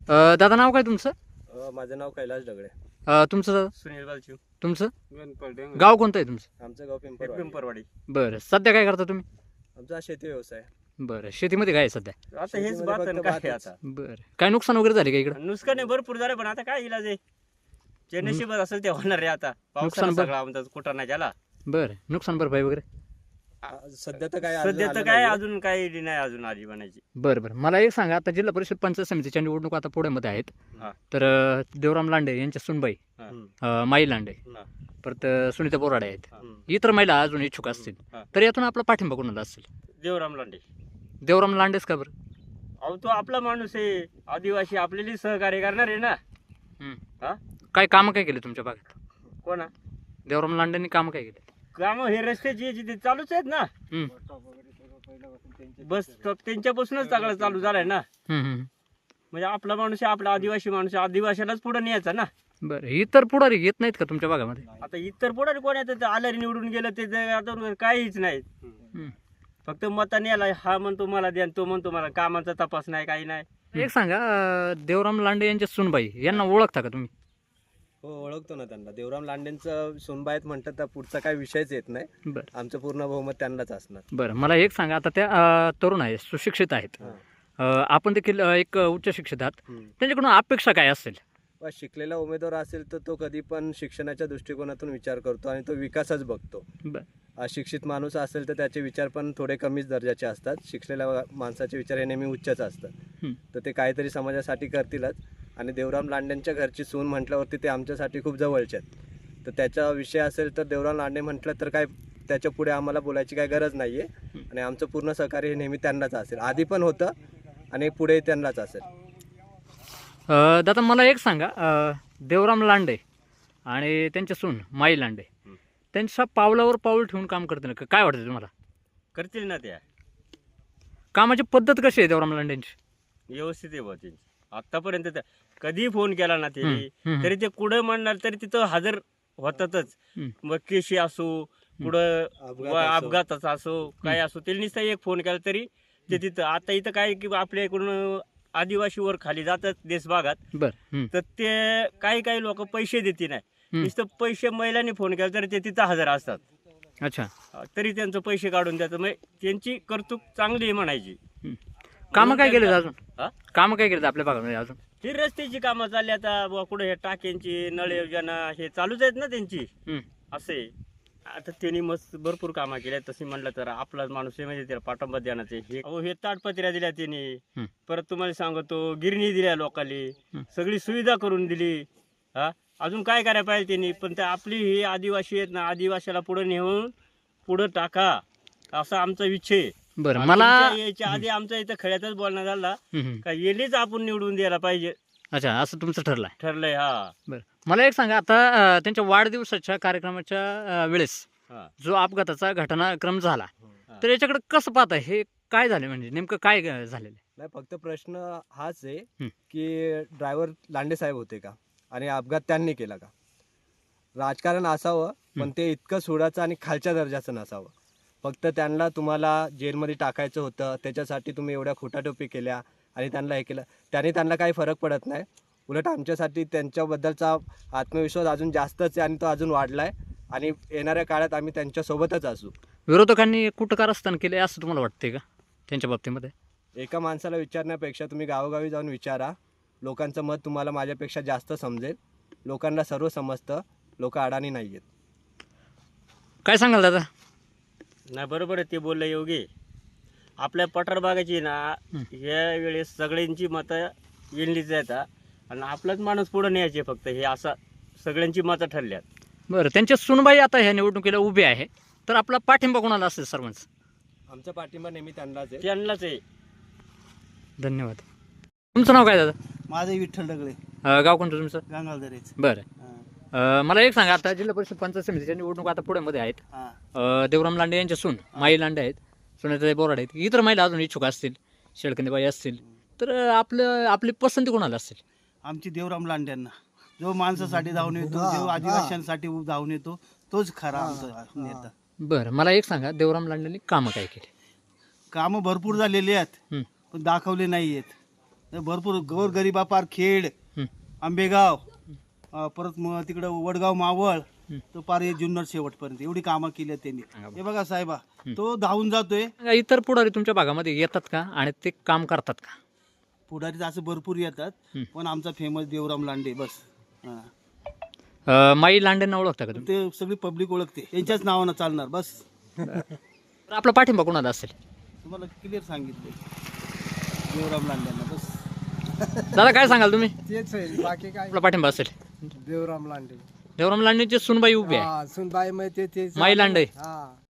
दादा नाव काय तुमचं? माझं नाव कैलास दगडे. तुमचं दादा? सुनील बालचिव. तुमचं गाव कोणतं आहे तुमचं? आमचं गाव पिंपरवाडी. बरं, सध्या काय करता तुम्ही? आमचा शेती व्यवसाय. बरं, शेतीमध्ये काय आहे सध्या? आता हेच शेतीमध्ये बात फक्त आणि काय भातच. आता बरं, काय नुकसान वगैरे झाले का इकडं? नुकसान भरपूर झालं, पण आता काय इलाज आहे? जे नशीब असेल ते होणार आहे. आता नुकसान पावसानं भर- सगळा आमचा कुठं नाही झाला. बरं, नुकसान भरपाई वगैरे? सध्या तर काय सध्या तर आलं काय नाहीये. अजून काही नाही, अजून आजी बनायची. बरं बरं, मला एक सांगा, आता जिल्हा परिषद पंचायत समितीच्या निवडणूक आता पुण्यामध्ये आहेत. हा. तर देवराम लांडे यांच्या सुनबाई हा. माई लांडे, हा. परत सुनीता बोराडे आहेत. हा. इतर महिला अजून इच्छुक असतील, हा. तर यातून आपला पाठिंबा कोणाला असेल? देवराम लांडे. देवराम लांडेच का बरं? अहो, तो आपला माणूस आहे, आदिवासी, आपल्याला सहकार्य करणार आहे ना. हा? काय कामं काय केले तुमच्या भागात? कोणा देवराम लांडेंनी कामं काय केले? काम हे रस्त्याची याची ते चालूच आहेत ना. हम्म. बस त्यांच्यापासूनच सगळं चालू झालंय ना. हम्म, हम्म. म्हणजे आपला माणूस आहे, आपला आदिवासी माणूस आहे, आदिवासीलाच पुढे न्यायचा ना. बरं, इतर पुढारी येत नाहीत का तुमच्या भागामध्ये? आता इतर पुढे कोण येतं? आल्याने निवडून गेलं ते आता काहीच नाही. हम्म. फक्त मताने याला हा म्हणतो मला द्या, तो म्हणतो मला. कामाचा तपास नाही, काही नाही. एक सांगा, देवराम लांडे यांच्या सुनबाई यांना ओळखता का तुम्ही? हो, ओळखतो ना त्यांना. देवराम लांडेंचं सोनबायत म्हणतात तर पुढचा काही विषयच येत नाही. बरं आमचं पूर्ण बहुमत त्यांनाच असणार. बरं, मला एक सांगा, आता त्या तरुण आहेत, सुशिक्षित आहेत. आपण देखील एक उच्च शिक्षित आहात. त्यांच्याकडून अपेक्षा काय असेल? शिकलेला उमेदवार असेल तर तो कधी पण शिक्षणाच्या दृष्टिकोनातून विचार करतो आणि तो विकासच बघतो. बरं. अशिक्षित माणूस असेल तर त्याचे विचार पण थोडे कमीच दर्जाचे असतात. शिकलेल्या माणसाचे विचार हे नेहमी उच्चच असतात. तर ते काहीतरी समाजासाठी करतीलच. आणि देवराम लांडेंच्या घरची सून म्हटल्यावरती ते आमच्यासाठी खूप जवळचे आहेत. तर त्याचा विषय असेल तर देवराम लांडे म्हटलं तर काय त्याच्या पुढे आम्हाला बोलायची काही गरज नाही आहे. आणि आमचं पूर्ण सहकार्य हे नेहमी त्यांनाच असेल. आधी पण होतं आणि पुढे त्यांनाच असेल. दादा मला एक सांगा, देवराम लांडे आणि त्यांच्या सून माई लांडे त्यांच्या पावलावर पाऊल ठेवून काम करतील का? काय वाटतं तुम्हाला? करतील ना त्या. कामाची पद्धत कशी आहे देवराम लांडेंची? व्यवस्थित आहे बुवा त्यांची. आतापर्यंत कधी फोन केला ना ते, हम्म. तरी ते कुठं म्हणणार तरी तिथं हजर होतातच. मग केशी असो, कुठं अपघाताचा असो, काय असो, त्यांनी नुसता एक फोन केला तरी ते तिथं. आता इथं काय की आपल्या इकडून आदिवासीवर खाली जातात देश भागात, बरं. तर ते काही लोक पैसे देते नाही. नुसतं पैसे महिलांनी फोन केला तरी ते तिथं हजर असतात. अच्छा, तरी त्यांचं पैसे काढून द्यायचं. म्हणजे त्यांची कर्तुक चांगली आहे म्हणायची. कामं काय केले अजून? हा? कामं काय केलं आपल्या भागामध्ये अजून? ही रस्त्याची कामं चालली आता बुवा, कुठं हे टाक्यांची नळ योजना हे चालूच आहेत ना त्यांची. असे आता त्यांनी मस्त भरपूर कामं केल्या. तशी म्हणलं तर आपला माणूस आहे, म्हणजे त्याला पाठिंबा देण्याचे हे ताडपत्र्या दिल्या त्यांनी. परत तुम्हाला सांगतो गिरणी दिल्या लोकांनी, सगळी सुविधा करून दिली. हा, अजून काय करायला पाहिजे त्यांनी? पण ते आपली ही आदिवासी आहेत ना, आदिवासीला पुढे नेऊन पुढे टाका असा आमचा विषय. बरं, मला याच्या आधी आमचा इथं खड्यातच बोलणं झाला का येलीच आपण निवडून द्यायला पाहिजे. अच्छा, असं तुमचं ठरलंय? ठरलंय. हा. बरं, मला एक सांगा, आता त्यांच्या वाढदिवसाच्या कार्यक्रमाच्या वेळेस जो अपघाताचा घटनाक्रम झाला, तर याच्याकडे कसं पाहता? हे काय झाले, म्हणजे नेमकं काय झालेलं? नाही, फक्त प्रश्न हाच आहे की ड्रायव्हर लांडे साहेब होते का आणि अपघात त्यांनी केला का? राजकारण असावं, पण ते इतकं सोडाचं आणि खालच्या दर्जाचं नसावं. फक्त त्यांना तुम्हाला जेलमध्ये टाकायचं होतं, त्याच्यासाठी तुम्ही एवढ्या खोटाटोपी केल्या आणि त्यांना हे केलं. त्यांना काही फरक पडत नाही. उलट आमच्यासाठी त्यांच्याबद्दलचा आत्मविश्वास अजून जास्तच आहे आणि तो अजून वाढला आहे. आणि येणाऱ्या काळात आम्ही त्यांच्यासोबतच असू. विरोधकांनी कुटकारस्थान केले असं तुम्हाला वाटते का त्यांच्या बाबतीमध्ये? एका माणसाला विचारण्यापेक्षा तुम्ही गावोगावी जाऊन विचारा. लोकांचं मत तुम्हाला माझ्यापेक्षा जास्त समजेल. लोकांना सर्व समजतं. लोक अडाणी नाही आहेत. काय सांगाल दादा? नाही, बरोबर आहे ते बोललं योगी. आपल्या पठार भागाची ना या वेळेस सगळ्यांची मतं येणलीच येतात आणि आपलाच माणूस पुढे न्यायचे फक्त. हे असं सगळ्यांची मतं ठरल्यात. बरं, त्यांच्या सुनबाई आता ह्या निवडणुकीला उभे आहे, तर आपला पाठिंबा कोणाला असेल सर्वांच? आमचा पाठिंबा नेहमी त्यांनाच आहे. त्यांनाच आहे. धन्यवाद. तुमचं नाव काय दादा? माझं विठ्ठल दगडे, गाव कोणतं तुमचं? गंगाळदरेच. बरं, मला एक सांगा, आता जिल्हा परिषद पंचायत समितीच्या निवडणूक आता पुण्यामध्ये आहेत. देवराम लांडे यांच्या सून माई लांडे आहेत, सुनीताई बोराडे आहेत, इतर महिला अजून इच्छुक असतील, शेळकंदीबाई असतील, तर आपली पसंती कोणाला असेल? आमची देवराम लांड्यांना. जो माणसासाठी धावून येतो, जो आदिवासींसाठी धावून येतो, तोच खरा आमचा नेता. बरं, मला एक सांगा, देवराम लांडेंनी कामं काय केली? कामं भरपूर झालेली आहेत, पण दाखवले नाही आहेत. तर भरपूर गोरगरिबापार खेड, हं. आंबेगाव, परत मग तिकडं वडगाव मावळ, तर पार हे जुन्नर शेवटपर्यंत एवढी कामं केली आहेत त्यांनी. हे बघा साहेबा, तो धावून जातोय. सांगा, इतर पुढारी तुमच्या भागामध्ये येतात का आणि ते काम करतात का? पुढारी तर असं भरपूर येतात, पण आमचा फेमस देवराम लांडे बस. हा. माई लांडेंना ओळखता का तुम्ही? ते सगळी पब्लिक ओळखते, त्यांच्याच नावानं चालणार बस. तर आपला पाठिंबा कोणाला असेल? तुम्हाला क्लिअर सांगितले, देवराम लांड्यांना बस. दादा काय सांगाल तुम्ही? तेच आहे, बाकी काय. आपला पाठिंबा असेल देवराम लांडे. देवराम लांडेंचे सुनबाई उभी आहे, सुनबाई माहिती ते माई लांडे. हा